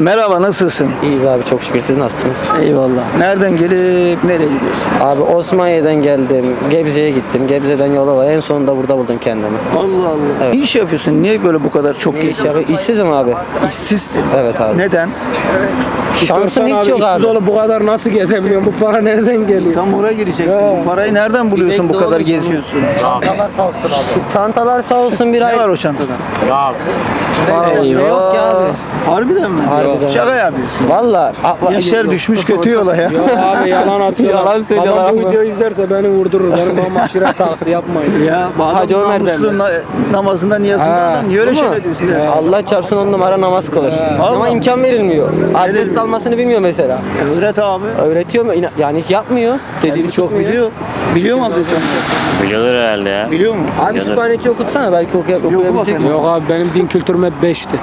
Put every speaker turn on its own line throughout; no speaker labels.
Merhaba, nasılsın?
İyiyiz abi, çok şükür. Siz nasılsınız?
Eyvallah. Nereden gelip nereye gidiyorsun?
Abi Osmaniye'den geldim. Gebze'ye gittim. Gebze'den Yalova. En sonunda burada buldum kendimi.
Allah Allah.
Evet.
Ne iş yapıyorsun? Niye böyle bu kadar çok
Ne iş
geziyorsun?
yapayım? İşsizim abi.
İşsizsin.
Evet abi.
Neden?
Şansım hiç yok abi.
Oğlum bu kadar nasıl gezebiliyorsun? Bu para nereden geliyor?
Tam oraya girecek. Bu parayı nereden buluyorsun, bu
bekle
kadar
oğlum.
geziyorsun?
Çantalar sağ olsun bir
Ne
ay.
var o çantada?
Para yok ki abi.
Harbiden mi?
Harbiden.
Şaka yapıyorsun.
Valla.
Gençler düşmüş kötü yola ya.
Yok abi yalan atıyorlar.
Yalan söylüyorlar
Adam bu
ama.
videoyu izlerse beni vurdurur. Benim babam aşiret tağısı yapmayın.
Ya bu adam
Hacı Ömer
namuslu
derler.
namazından niyazından niye öyle
Değil mi?
şeyler diyorsun ya?
Allah çarpsın 10 numara namaz kılır. Ama
Vallahi.
imkan verilmiyor. Abdest
Verilmiyor.
almasını bilmiyor mesela.
Öğret abi.
Öğretiyor mu? Yani hiç yapmıyor. Dediğini
Çok
tutmuyor.
biliyor. Biliyor mu abdest almayı?
Biliyordur herhalde ya.
Biliyor mu?
Abi Sübhaneke'yi okutsana, belki okuyabilecek
bakalım.
mi?
Yok abi benim din kültürüm hep 5'ti.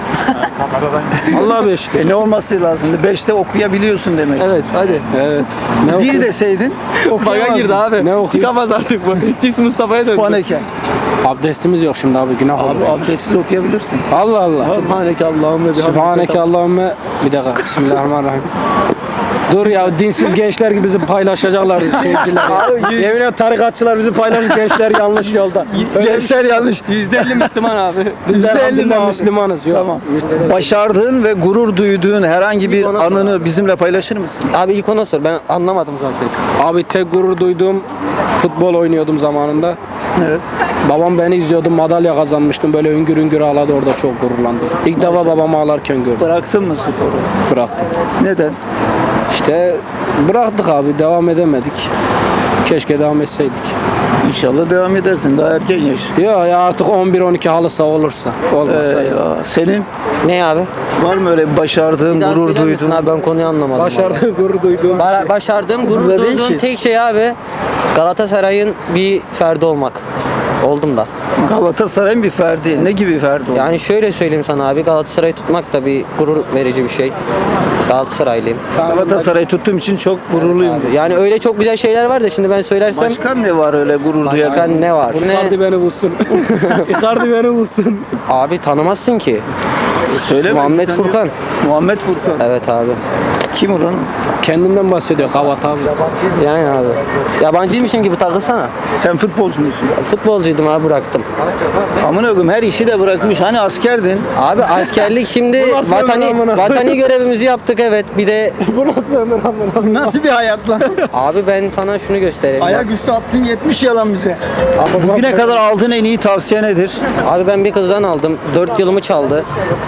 Allah 5'ti.
Ne olması lazımdı? 5'te okuyabiliyorsun demek.
Evet hadi.
Evet.
Bir deseydin
Baga
okuyamazdın.
girdi abi.
Ne okuyayım?
Çıkamaz artık bu. Cips Mustafa'ya döndü.
Sübhaneke.
Abdestimiz yok şimdi abi günah olur.
Abi abdestsiz okuyabilirsin.
Allah Allah.
Sübhaneke Allahümme
Sübhaneke Allahümme. Bir dakika. Bismillahirrahmanirrahim. Dur ya dinsiz gençler gibi bizi paylaşacaklar şeyciler.
Abi,
Yemin ederim tarikatçılar bizi paylaşır gençler yanlış yolda.
Gençler yanlış.
%50 Müslüman abi.
Biz de
%50 mi
elhamdülillah
abi?
Müslümanız. Yok.
Tamam. Başardığın ve gurur duyduğun herhangi bir
İlk ona sor
anını bizimle paylaşır mısın?
Abi ilk ona sor, ben anlamadım zaten.
Abi tek gurur duyduğum futbol oynuyordum zamanında.
Evet.
Babam beni izliyordu, madalya kazanmıştım. Böyle hüngür hüngür ağladı, orada çok gururlandım. İlk defa babamı ağlarken gördüm.
Bıraktın mı sporu?
Bıraktım.
Neden?
İşte bıraktık abi, devam edemedik. Keşke devam etseydik.
İnşallah devam edersin. Daha erken yaş.
Ya artık 11-12 halı saha olursa. Olmazsa ya.
Ya, senin
Ne abi?
var mı öyle başardığın,
Bir daha
gurur
söyler misin
duyduğun?
abi, ben konuyu anlamadım.
Başardığı gurur duyduğum.
Başardığım, gurur
Burada değil
duyduğum
ki.
tek şey abi Galatasaray'ın bir ferdi olmak. Oldum da.
Galatasaray'ın bir ferdi. Ne gibi ferdi oldu?
Yani şöyle söyleyeyim sana abi, Galatasaray'ı tutmak da bir gurur verici bir şey. Galatasaraylıyım.
Galatasaray'ı tuttuğum için çok gururluyum.
Abi, yani öyle çok güzel şeyler var da şimdi ben söylersem
Başka ne var öyle gurur duyan?
başka ne var? Ne?
Icardi beni bulsun. Icardi beni bulsun.
Abi tanımazsın ki.
Söyle
Muhammed
bakayım,
Furkan.
Muhammed Furkan.
Evet abi.
Kim ulan?
Kendinden bahsediyor Kavat abi.
Yani abi. Yabancıymışım gibi takılsana.
Sen futbolcu musun?
Futbolcuydum abi, bıraktım.
Amına koyayım her işi de bırakmış. Hani askerdin?
Abi askerlik şimdi
Bu nasıl ömür amına?
vatani görevimizi yaptık, evet. Bir de
Bu nasıl ömür amına?
Nasıl bir hayat lan?
abi ben sana şunu göstereyim.
Ayaküstü attın 70 yalan bize. Bugüne kadar aldığın en iyi tavsiye nedir?
Abi ben bir kızdan aldım. 4 yılımı çaldı.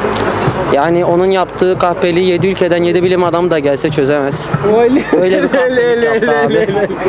Yani onun yaptığı kahpeliği 7 ülkeden 7 bilim adam da gelse çözemez. Öyle bir kahpelik yaptı abi.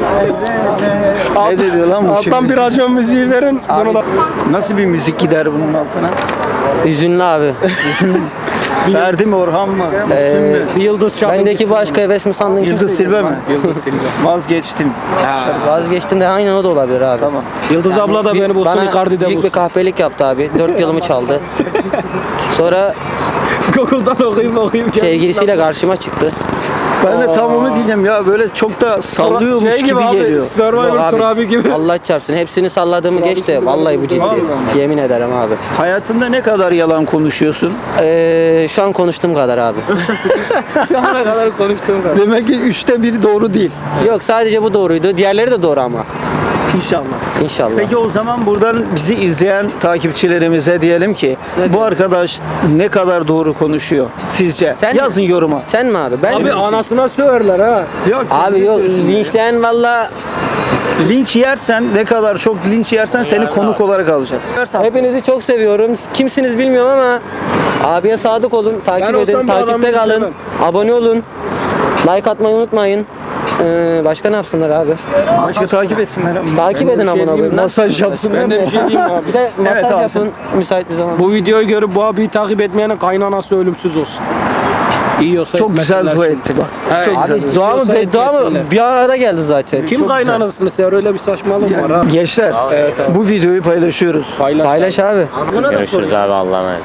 Ne dedi lan bu
Alttan
şimdi?
bir racon müziği verin.
Abi,
Bunu da...
Nasıl bir müzik gider bunun altına?
Hüzünlü abi.
Ferdi mi, Orhan mı? Müslüm mü?
Bir yıldız çaldı.
Bendeki bu aşka heves mi sandın?
Yıldız
kimsin?
Tilbe mi?
Yıldız Tilbe.
Vazgeçtim.
Vazgeçtim de aynen o da olabilir abi.
Tamam.
Yıldız abla da beni bulsun,
Bana
Icardi de
büyük bir
bulsun.
kahpelik yaptı abi. 4 yılımı çaldı. Sonra
Google'dan okuyayım.
sevgilisiyle karşıma çıktı.
Ben de tam onu diyeceğim ya, böyle çok da sallıyormuş
Şey
gibi
abi,
geliyor.
Yok
Survivor
abi,
Turabi gibi.
Allah çarpsın. Hepsini salladığımı geç de vallahi bu ciddi.
Vallahi.
Yemin ederim abi.
Hayatında ne kadar yalan konuşuyorsun?
Şu an konuştuğum kadar abi. Şu ana kadar konuştuğum kadar.
Demek ki 1/3 doğru değil.
Yok, sadece bu doğruydu. Diğerleri de doğru ama.
İnşallah.
İnşallah.
Peki o zaman buradan bizi izleyen takipçilerimize diyelim ki bu arkadaş ne kadar doğru konuşuyor sizce?
Sen-
Yazın yoruma.
Sen mi abi? Ben
Abi
mi?
anasına söverler ha.
Yok,
Abi yok, linçleyen valla
linç yersen, ne kadar çok linç yersen seni konuk olarak alacağız.
hepinizi çok seviyorum. Kimsiniz bilmiyorum ama abiye sadık olun. Takip
Ben olsam
edin.
bu adamı
Takipte kalın.
izlemem.
Abone olun. Like atmayı unutmayın. Başka ne yapsınlar abi?
Başka takip etsinler ama.
Takip edin
bir şey
abone
diyeyim
olun.
mi?
Masaj yapsınlar.
Ben de bir şey diyeyim mi abi.
Bir de masaj
Evet abi,
yapın müsait bir zaman.
Bu videoyu görüp bu abiyi takip etmeyenin kaynanası ölümsüz olsun. İyi olsa
Çok güzel
etmesinler
dua
şimdi.
etti bak.
Evet.
Çok güzel.
Abi dua mı
Yoksa
beddua mı
etmesinler.
bir arada geldi zaten.
Kim kaynanasını sever, öyle bir saçmalığım var abi.
Gençler
Evet abi.
bu videoyu paylaşıyoruz.
Paylaş.
Paylaş abi.
Görüşürüz abi Allah'a emanet.
Çok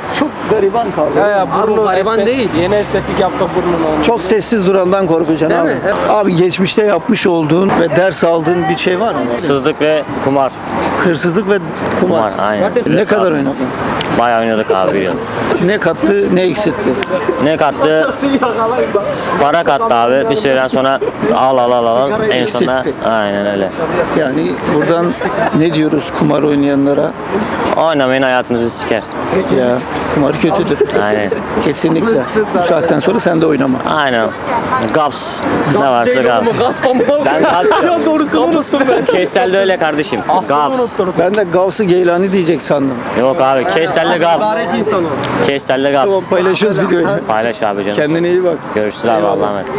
gariban kaldı.
Ya
Abi
burnu
gariban değil.
Yeni estetik yaptık burnunu.
Çok sessiz durandan korkacaksın
Değil
abi.
mi? Evet.
Abi geçmişte yapmış olduğun ve ders aldığın bir şey var mı?
Hırsızlık ve kumar.
Hırsızlık ve kumar.
Kumar aynen.
Ne kadar oynadın?
Bayağı oynadık abi bir yıl.
Ne kattı, ne eksiltti?
Ne kattı? Para kattı abi. Bir süreden sonra al. En sonunda
Eksiltti.
aynen öyle.
Yani buradan ne diyoruz kumar oynayanlara?
Oynamayın, hayatınızı siker.
Ya kumar kötüdür.
Aynen.
Kesinlikle. Bu saatten sonra sen de oynama.
Aynen. Gaps. Ne varsa gaps. Ben gaps yok.
Doğrusunu unuttum ben.
Keştel'de öyle kardeşim. Gaps.
Ben de Gavs-ı Geylani diyecek sandım.
Yok abi. Keştel'de gaps. Keştel'de
Tamam
gaps.
paylaşıyoruz videoyu.
Paylaş abi canım.
Kendine iyi bak.
Görüşürüz abi. Allah'a emanet.